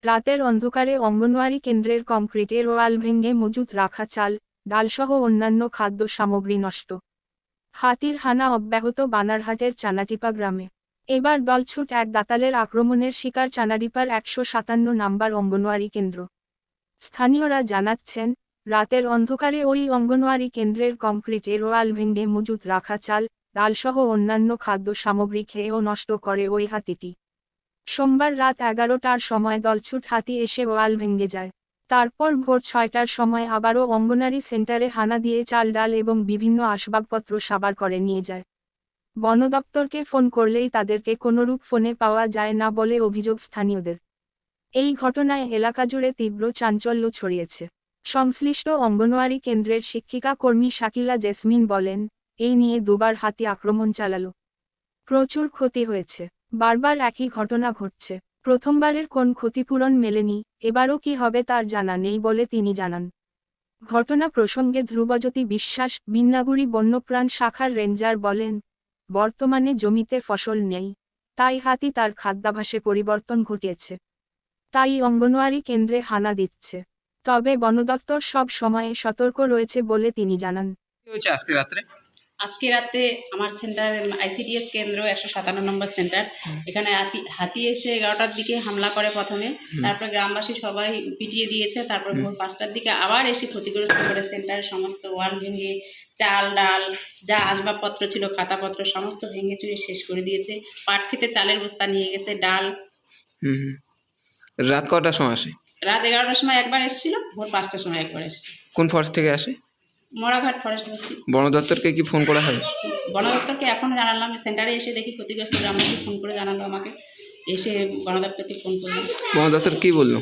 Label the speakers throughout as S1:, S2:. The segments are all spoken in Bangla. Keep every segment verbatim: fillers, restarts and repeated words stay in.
S1: রাতের অন্ধকারে অঙ্গনওয়াড়ি কেন্দ্রের কংক্রিটের ওয়াল ভেঙে মজুত রাখা চাল, ডালসহ অন্যান্য খাদ্য সামগ্রী নষ্ট। হাতির হানা অব্যাহত বানারহাটের চানাটিপা গ্রামে। এবার দলছুট এক দাতালের আক্রমণের শিকার চানাডিপার একশো সাতান্ন নম্বর অঙ্গনওয়াড়ি কেন্দ্র। স্থানীয়রা জানাচ্ছেন, রাতের অন্ধকারে ওই অঙ্গনওয়াড়ি কেন্দ্রের কংক্রিটের ওয়াল ভেঙে মজুত রাখা চাল, ডালসহ অন্যান্য খাদ্য সামগ্রী খেয়ে ও নষ্ট করে ওই হাতিটি। সোমবার রাত এগারোটার সময় দলছুট হাতি এসে ওয়াল ভেঙে যায়। তারপর ভোর ছয়টার সময় আবারও অঙ্গনারী সেন্টারে হানা দিয়ে চাল ডাল এবং বিভিন্ন আসবাবপত্র সাবার করে নিয়ে যায়। বন দপ্তরকে ফোন করলেই তাদেরকে কোনোরূপ ফোনে পাওয়া যায় না বলে অভিযোগ স্থানীয়দের। এই ঘটনায় এলাকা জুড়ে তীব্র চাঞ্চল্য ছড়িয়েছে। সংশ্লিষ্ট অঙ্গনওয়াড়ি কেন্দ্রের শিক্ষিকা কর্মী শাকিলা জেসমিন বলেন, এই নিয়ে দুবার হাতি আক্রমণ চালালো। প্রচুর ক্ষতি হয়েছে। বারবার একই ঘটনা ঘটছে। প্রথমবারের কোন ক্ষতিপূরণ মেলেনি, এবারও কি হবে তার জানা নেই বলে তিনি জানান। ঘটনা প্রসঙ্গে ধ্রুবজ্যোতি বিশ্বাস, বিন্নাগুড়ি বন্যপ্রাণ শাখার রেঞ্জার বলেন, বর্তমানে জমিতে ফসল নেই, তাই হাতি তার খাদ্যাভ্যাসে পরিবর্তন ঘটিয়েছে। তাই অঙ্গনওয়াড়ি কেন্দ্রে হানা দিচ্ছে। তবে বন দপ্তর সব সময়ে সতর্ক রয়েছে বলে তিনি জানান।
S2: কি হয়েছে আজকে রাত্রে?
S3: আজকে রাত্রে আমার সেন্টার আইসিডিএস কেন্দ্র একশো সাতান্ন নম্বর সেন্টার, এখানে হাতি হাতি এসে এগারোটার দিকে হামলা করে প্রথমে, তারপর গ্রামবাসী সবাই পিটিয়ে দিয়েছে, তারপর ভোর পাঁচটার দিকে আবার এসে ক্ষতিগ্রস্ত করে সেন্টারের সমস্ত ওয়াল ভেঙে চাল ডাল যা আসবাবপত্র ছিল খাতাপত্র সমস্ত ভেঙে চুরে শেষ করে দিয়েছে। পাট খেতে চালের বস্তা নিয়ে গেছে, ডাল।
S2: হুম রাত কটার সময় আসে?
S3: রাত এগারোটার সময় একবার এসেছিল, ভোর পাঁচটার সময় একবার এসেছে।
S2: কোন ফরেস্ট থেকে আসে?
S3: মরাঘাট ফরেস্ট বস্তি।
S2: বন দপ্তরকে কি ফোন করা হয়?
S3: বন দপ্তরকে এখন জানালাম, সেন্টারে এসে দেখি ক্ষতিগ্রস্ত গ্রামবাসী ফোন করে জানালো আমাকে, এসে বন দপ্তরকে ফোন করলাম।
S2: বন দপ্তর কি বললো?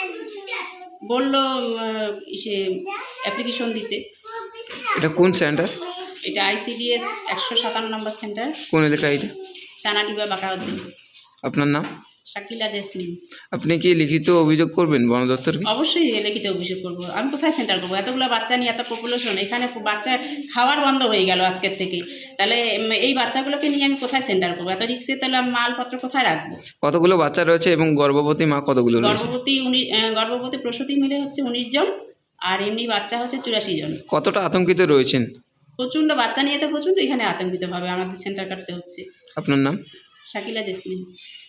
S3: বললো সে অ্যাপ্লিকেশন দিতে।
S2: এটা কোন সেন্টার?
S3: এটা আইসিডিএস একশো সাতান্ন নম্বর সেন্টার,
S2: কোন এলাকা এটা?
S3: চানাডিবা বাঁকাউদ্দিন।
S2: আপনার নাম?
S3: শাকিলা জেসমিন।
S2: আপনি কি লিখিত অভিযোগ করবেন বন দপ্তরকে?
S3: অবশ্যই লিখিত অভিযোগ করবো। আমি কোথায় সেন্টার করবো? এতগুলো বাচ্চা নিয়ে এত পপুলেশন, এখানে বাচ্চা খাওয়ার বন্ধ হয়ে গেল আজকের থেকে, তাহলে এই বাচ্চাগুলোকে নিয়ে আমি কোথায় সেন্টার করবো? এত রিক্সে তাহলে আমি মালপত্র কোথায় রাখবো?
S2: কতগুলো বাচ্চা রয়েছে এবং গর্ভবতী মা কতগুলো রয়েছে?
S3: গর্ভবতী উনিশ গর্ভবতী প্রসূতি মিলে হচ্ছে উনিশ জন, আর এমনি বাচ্চা হচ্ছে চুরাশি জন।
S2: কতটা আতঙ্কিত রয়েছেন?
S3: প্রচণ্ড বাচ্চা নিয়ে তো প্রচণ্ড এখানে আতঙ্কিতভাবে আমাদের সেন্টার কাটতে হচ্ছে।
S2: আপনার নাম?
S3: শাকিলা জেসমিন।